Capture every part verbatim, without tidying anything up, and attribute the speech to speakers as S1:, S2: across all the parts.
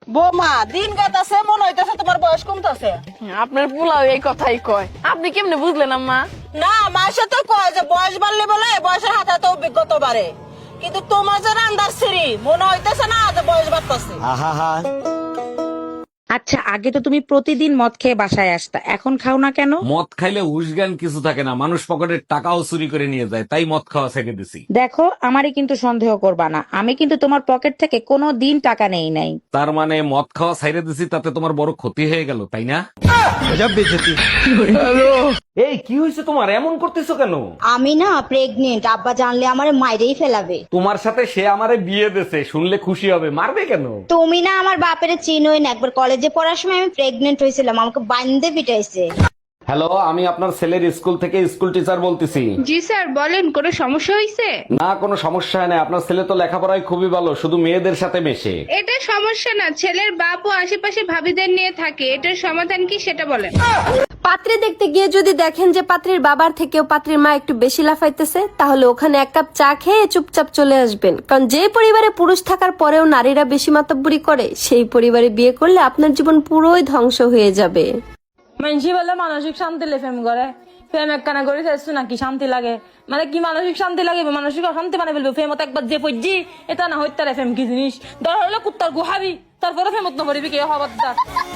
S1: বৌমা দিন কাটাছে মনে হইতেছে তোমার বয়স কমতেছে।
S2: আপনার পোলাও এই কথাই কয়, আপনি কেমনে বুঝলেন আম্মা?
S1: না মাসে তো কয় যে বয়স বাড়লে বলে বয়সের হাতে তো অভিজ্ঞতা বাড়ে, কিন্তু তোমার যে রান্দার সিঁড়ি মনে হইতেছে না যে বয়স বাড়তেছে।
S3: আচ্ছা আগে তো তুমি প্রতিদিন মদ খেয়ে বাসায় আসতা, এখন খাও না কেন?
S4: মদ খাইলে হুশজ্ঞান কিছু থাকে না, মানুষ পকেটের টাকাও চুরি করে নিয়ে যায়, তাই মদ খাওয়া ছেড়ে দিছি।
S3: দেখো আমারই কিন্তু সন্দেহ করবা না, আমি কিন্তু তোমার পকেট থেকে কোনো দিন টাকা নেই নাই।
S4: তার মানে মদ খাওয়া ছেড়ে দিছি, তাতে তোমার বড় ক্ষতি হয়ে গেল, তাই না? এই কি হয়েছে তোমার, এমন করতেছো কেন?
S5: আমি না প্রেগনেন্ট, আব্বা জানলে আমারে মাইরেই ফেলাবে।
S4: তোমার সাথে সে আমারে বিয়ে দিছে, শুনলে খুশি হবে, মারবে কেন?
S5: তুমি না আমার বাপের চিনোই না, একবার কলেজে পড়ার সময় আমি প্রেগনেন্ট হয়েছিলাম, আমাকে বান্ধে পিটাইছে।
S4: হ্যালো, আমি আপনার ছেলের স্কুল থেকে স্কুল টিচার বলতেছি।
S6: জি স্যার বলেন, কোনো সমস্যা হয়েছে?
S4: না কোনো সমস্যা নাই, আপনার ছেলে তো লেখাপড়ায় খুবই ভালো, শুধু মেয়েদের সাথে মেশে।
S6: এটা সমস্যা না, ছেলের বাপ ও আশেপাশে ভাবিদের নিয়ে থাকে, এটার সমাধান কি সেটা বলেন।
S7: পাত্রী দেখতে গিয়ে যদি দেখেন যে পাত্রীর বাবার থেকেও পাত্রীর মা একটু বেশি লাফাইতেছে, তাহলে ওখানে এক কাপ চা খেয়ে চুপচাপ চলে আসবেন। কারণ যে পরিবারে পুরুষ থাকার পরেও নারীরা বেশি মাতব্বরি করে, সেই পরিবারে বিয়ে করলে আপনার জীবন পুরোই ধ্বংস হয়ে যাবে।
S8: মানসি বলে মানসিক শান্তি লে প্রেম করে, প্রেম একখানা করে ফেলছো নাকি শান্তি লাগে? মানে কি মানসিক শান্তি লাগে, মানসিক অশান্তি মানে ফেলবে। ফেমত একবার যে পড়ছি এটা না হইতে ফেম কি জিনিস, দর হলে কুত্তার গুহাবি, তারপরে ফেমত নকরিবি কে হবারদার।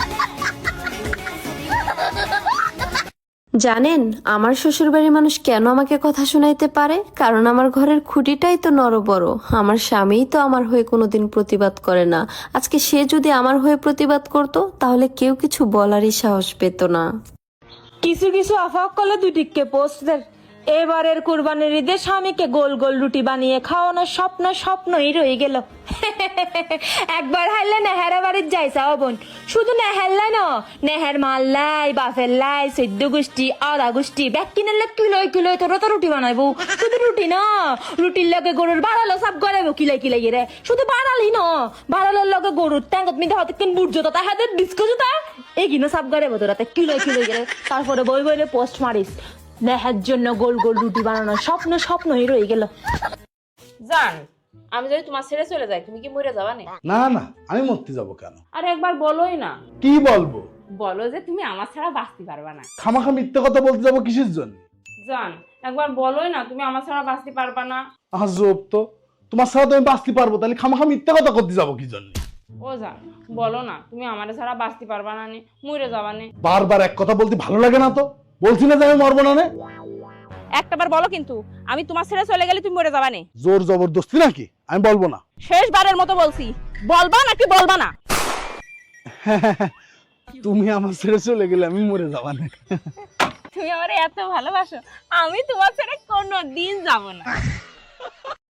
S7: জানেন আমার শ্বশুর বাড়ির মানুষ কেন আমাকে কথা শোনাইতে পারে? কারণ আমার ঘরের খুঁটিটাই তো নরবড়। আমার স্বামীই তো আমার হয়ে কোনোদিন প্রতিবাদ করে না। আজকে সে যদি আমার হয়ে প্রতিবাদ করত, তাহলে কেউ কিছু বলারই সাহস পেত না।
S8: কিছু কিছু আফাক করলে দুই টিককে পোস্টদের এবারের কুরবানির ঈদে স্বামীকে গোল গোল রুটি বানিয়ে খাওয়ানোর স্বপ্ন স্বপ্নই রয়ে গেল। একবার হারলে নেহার বাড়ির যাই চাও বোন, শুধু নেহার লাই না, নেহার মাল্লাই বাফের লাই চৈদ্দ গোষ্ঠী আধা গোষ্ঠী ব্যাগ কিনে কিলোয় কিলোয় তোরা তো রুটি বানাইবো। শুধু রুটি না, রুটির লগে গরুর বাড়ালো সব গড়াইবো কিলাই কিলাই রে। শুধু বাড়ালি না, বাড়ালোর লগে গরুর ট্যাঙ্গত মিদে হতে কিন বুট জোতা হাতে ডিস্কো জোতা এগিনো সব গড়াইবো তোরা কিলোয় কিলোয় গেলে। তারপরে বই বইলে পোস্ট মারিস নেহার জন্য গোল গোল রুটি বানানোর স্বপ্ন স্বপ্নই রয়ে গেল।
S2: জান, আমি যদি তোমার ছেড়ে চলে যাই তুমি কি মরে যাবা না?
S9: না না, আমি মরতে যাব কেন?
S2: আর একবার বলোই না।
S9: কি বলবো?
S2: বলো যে তুমি আমার ছাড়া বাঁচতে পারবা না।
S9: খামাখা মিথ্যে কথা বলতে যাবো কিসের জন্য?
S2: জান, একবার বলোই না তুমি আমার ছাড়া বাঁচতে পারবা না।
S9: আজব তো, তোমার সাথে তো আমি বাঁচতে পারবো, তাহলে খামাখা মিথ্যে কথা করতে যাবো কি জন্য?
S2: ও জান, বলো না তুমি আমার ছাড়া বাঁচতে পারবা না, মরে যাবা না।
S9: বারবার এক কথা বলতে ভালো লাগে না তো? বলছি না যে আমি মরবো না।
S2: একটাবার বলো কিন্তু, আমি তোমার ছেড়ে চলে গেলে তুমি মরে যাবা না।
S9: জোর জবরদস্তি নাকি? আমি বলবো না।
S2: শেষবারের মতো বলছি, বলবা নাকি বলবা না?
S9: তুমি আমার ছেড়ে চলে গেলে আমি মরে যাবা না।
S2: তুমি আমার এত ভালোবাসো, আমি তোমার ছেড়ে কোনোদিন যাব না।